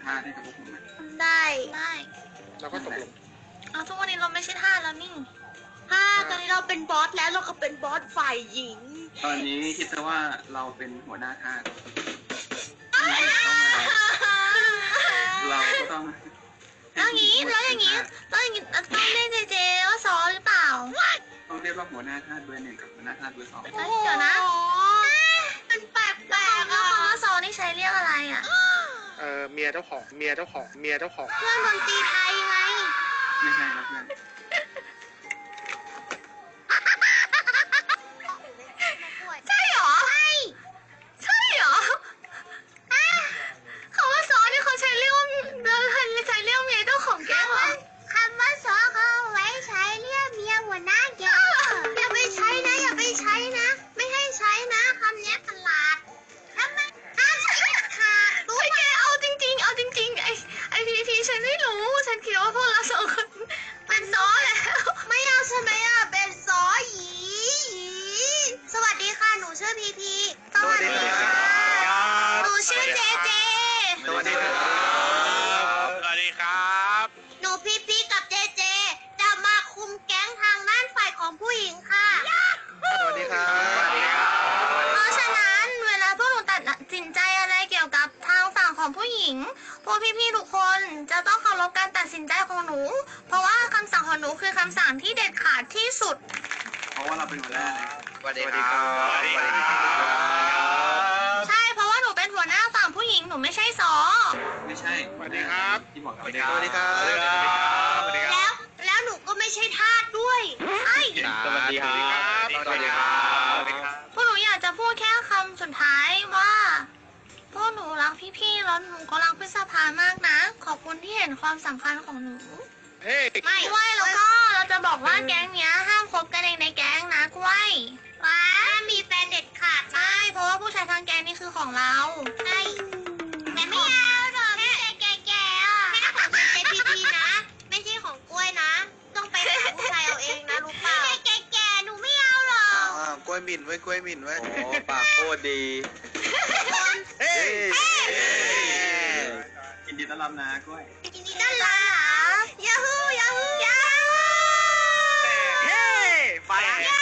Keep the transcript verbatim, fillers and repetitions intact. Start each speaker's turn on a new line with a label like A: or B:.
A: ทาสให้กับพวกผมไหม
B: ได้ได้
C: เราก็ตกลง
B: เอาทุกวันนี้เราไม่ใช่ทาสแล้วนี่ถ้าตอนนี้เราเป็นบอสแล้วเราก็เป็นบอสฝ่ายหญิง
A: ตอนนี้คิดซะว่าเราเป็นหัวหน้าทาสเราก็ต้อง
B: แล้วอย่างนี้แล้วอย่างนี้แล้วอย่างนี้ต้องเรียกเจเจว่าซอหรือเปล่า
A: ต้องเรียกว่าหัวหน้าทาสเบอร์หนึ่งกับหัวหน้าทาสเบอร์สอง
B: เดี๋ยวนะมันแปลกแปลกอะคำว่าซอนี่ใช้เรียกอะไรอะ
C: เออเมียเจ้าของเมียเจ้าของเมียเจ้าของ
B: เพื่อนดนตรีไทยไง
A: ไม่ใช่ครับเพื่อน
B: ใช่หรอใช่ใช่หรอคำว่าซอนี่เขาใช้เรียกว่าเราใช้เรียกเมียเจ้าของแก๊งเหรอคำว่าซอเขาไว้ใช้เรียกเมียหัวหน้าแก๊งอย่าไปใช้นะอย่าไปใช้นะไม่ให้ใช้นะคำนี้ประหลาดทำไมห้ามคิดขาดรู้ไหมเอาจริงๆเอาจริงๆไอไอพีพีฉันไม่รู้ฉันคิดว่าพวกเราสองคนเป็นซอแล้วไม่เอาใช่ไหมอ่ะเป็นซอหยีสวัสดีค่ะหนูชื่อพีพีสวัสดีค่ะหนูชื่อเจเจ
C: สวัสดีครับสวัสดีครับ
B: หนูพีพีกับเจเจจะมาคุมแก๊งทางด้านฝ่ายของผู้หญิงค่ะ
C: สวัสดีครับสวัสดีครับ
B: เพราะฉะนั้นเวลาพวกหนูตัดสินใจอะไรเกี่ยวกับทางฝั่งของผู้หญิงพวกพี่ๆทุกคนจะต้องเคารพการตัดสินใจของหนู เพราะว่าคำสั่งของหนูคือคำสั่งที่เด็ดขาดที่สุด
A: เพราะว่าเราเป็นหัวหน้า
C: สวัสดีครับสวัสดีครับ
B: ใช่เพราะว่าหนูเป็นหัวหน้าฝั่งผู้หญิงหนูไม่ใช่ซอ
A: ไม่ใช่
C: สวัสดีครับ
A: ที่บอก
C: สวัสดีครับสวัสดีครับสวัสดีค
B: แล้
C: รั
B: ว
C: บ
B: แล้วหนูก็ไม่ใช่ทาสด้วยใช่
C: สวัสดีครับสวัสดีครับสวัสดีครับ
B: พวกหนูอยากจะพูดแค่คำสุดท้ายว่าพวกหนูรักพี่ๆแล้วหนูก็รักพิษภามากนะ ขอบคุณที่เห็นความสำคัญของหนู
C: เฮ้ย
B: ไม่กล้วยแล้วก็เราจะบอกว่าแก๊งเนี้ยห้ามคบกันเองในแก๊งนะกล้วยว้ามีแฟนเด็ดขาดใช่เพราะว่าผู้ชายทางแก๊งนี่คือของเราใช่แต่ไม่เอาหรอกแค่แก่ๆอ่ะแค่ของเจพีพีนะ ไม่ใช่ของกล้วยนะ ต้องไปหาผู้ชายเอาเองนะรู้เปล่าแค่แก่ๆหนูไม่เอาหรอก
D: อ่ากล้วยหมิ่นไว้กล้วยหมิ่นไว้โอ้ปากโคตรดี
C: เฮ้ย
A: ยินดีต้อนรับนะกล้วย
B: ยินดีต้อนรับยาฮูยาฮูยาฮู
C: เฮ้ยไป
B: ยา